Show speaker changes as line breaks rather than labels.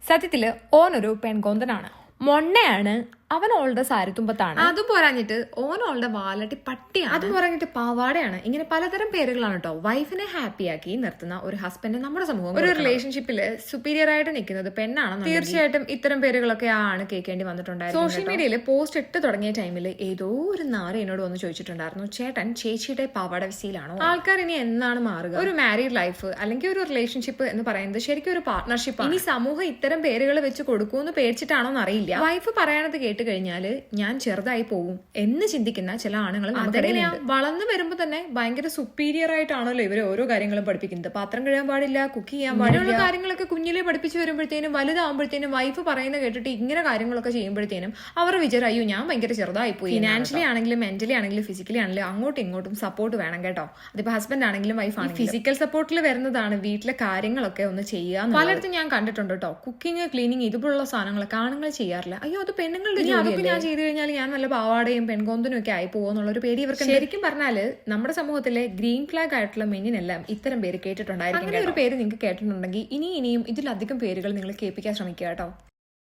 സത്യത്തില് ഓനൊരു പെൺകൊന്തനാണ്. മൊണ്ണയാണ്. അവൻ ഓളുടെ സാരിത്തുമ്പത്താണ്.
അതും പോരാഞ്ഞിട്ട് ഓനോളുടെ വാലട്ടി പട്ടിയാണ്.
അതും പോരാഞ്ഞിട്ട് പാവാടയാണ്. ഇങ്ങനെ പലതരം പേരുകളാണ് കേട്ടോ. വൈഫിനെ ഹാപ്പിയാക്കി നിർത്തുന്ന ഒരു ഹസ്ബൻഡ് നമ്മുടെ സമൂഹം ഒരു റിലേഷൻഷിപ്പിൽ സുപ്പീരിയർ ആയിട്ട് നിൽക്കുന്നത് പെണ്ണാണെന്ന് തീർച്ചയായിട്ടും ഇത്തരം പേരുകളൊക്കെ ആണ് കേൾക്കേണ്ടി വന്നിട്ടുണ്ടായിരുന്നു. സോഷ്യൽ മീഡിയയിൽ പോസ്റ്റ് ഇട്ട് തുടങ്ങിയ ടൈമിൽ ഏതോ ഒരു നാറ് എന്നോട് വന്ന് ചോദിച്ചിട്ടുണ്ടായിരുന്നു, ചേട്ടൻ ചേച്ചിയുടെ പാവാട വിസിയിലാണോ? ആൾക്കാർ ഇനി എന്നാണ് മാറുക? ഒരു മാരീഡ് ലൈഫ് അല്ലെങ്കിൽ ഒരു റിലേഷൻഷിപ്പ് എന്ന് പറയുന്നത് ശരിക്കും ഒരു പാർട്ട്ണർഷിപ്പ്. ഇനി സമൂഹം ഇത്തരം പേരുകൾ വെച്ച് കൊടുക്കുമെന്ന് പേടിച്ചിട്ടാണോ എന്ന് അറിയില്ല. വൈഫ് പറയണത് കേട്ട് കഴിഞ്ഞാല് ഞാൻ ചെറുതായി പോകും എന്ന് ചിന്തിക്കുന്ന ചില ആണുങ്ങൾ വളർന്നു വരുമ്പോ തന്നെ ഭയങ്കര സുപ്പീരിയർ ആയിട്ടാണല്ലോ ഇവര് ഓരോ കാര്യങ്ങളും പഠിപ്പിക്കുന്നത്. പാത്രം കഴുകാൻ പാടില്ല, കുക്ക് ചെയ്യാൻ പാടില്ല, കാര്യങ്ങളൊക്കെ കുഞ്ഞിലെ പഠിപ്പിച്ചു വരുമ്പോഴത്തേനും വലുതാകുമ്പോഴത്തേനും വൈഫ് പറയുന്ന കേട്ടിട്ട് ഇങ്ങനെ കാര്യങ്ങളൊക്കെ ചെയ്യുമ്പോഴത്തേനും അവർ വിചാരം അയ്യോ ഞാൻ ഭയങ്കര ചെറുതായി പോയി. ഫിനാൻഷ്യലി ആണെങ്കിലും മെന്റലി ആണെങ്കിലും ഫിസിക്കലി ആണെങ്കിലും അങ്ങോട്ടും ഇങ്ങോട്ടും സപ്പോർട്ട് വേണം കേട്ടോ. അതിപ്പോ ഹസ്ബൻഡ് ആണെങ്കിലും വൈഫ് ആണെങ്കിലും ഫിസിക്കൽ സപ്പോർട്ടിൽ വരുന്നതാണ് വീട്ടിലെ കാര്യങ്ങളൊക്കെ ഒന്ന് ചെയ്യുക. പലയിടത്തും ഞാൻ കണ്ടിട്ടുണ്ട് കേട്ടോ, കുക്കിംഗ് ക്ലീനിങ് ഇതുപോലുള്ള സാധനങ്ങളൊക്കെ ആണുങ്ങൾ ചെയ്യാറില്ല. അയ്യോ അത് പെണ്ണുങ്ങളുടെ അതൊക്കെ ഞാൻ ചെയ്തു കഴിഞ്ഞാൽ ഞാൻ നല്ല പാവാടയും പെൺകൊന്തനും ഒക്കെ ആയി പോകുന്നുള്ള ഒരു പേടി ഇവർക്ക്. ശരിക്കും പറഞ്ഞാല് നമ്മുടെ സമൂഹത്തിലെ ഗ്രീൻ ഫ്ലാഗ് ആയിട്ടുള്ള മെന്നിനെല്ലാം ഇത്തരം പേര് കേട്ടിട്ടുണ്ടായിരിക്കും. അങ്ങനെ ഒരു പേര് നിങ്ങൾക്ക് കേട്ടിട്ടുണ്ടെങ്കിൽ ഇനിയും ഇതിലധികം പേരുകൾ നിങ്ങൾ കേൾപ്പിക്കാൻ ശ്രമിക്കുക കേട്ടോ.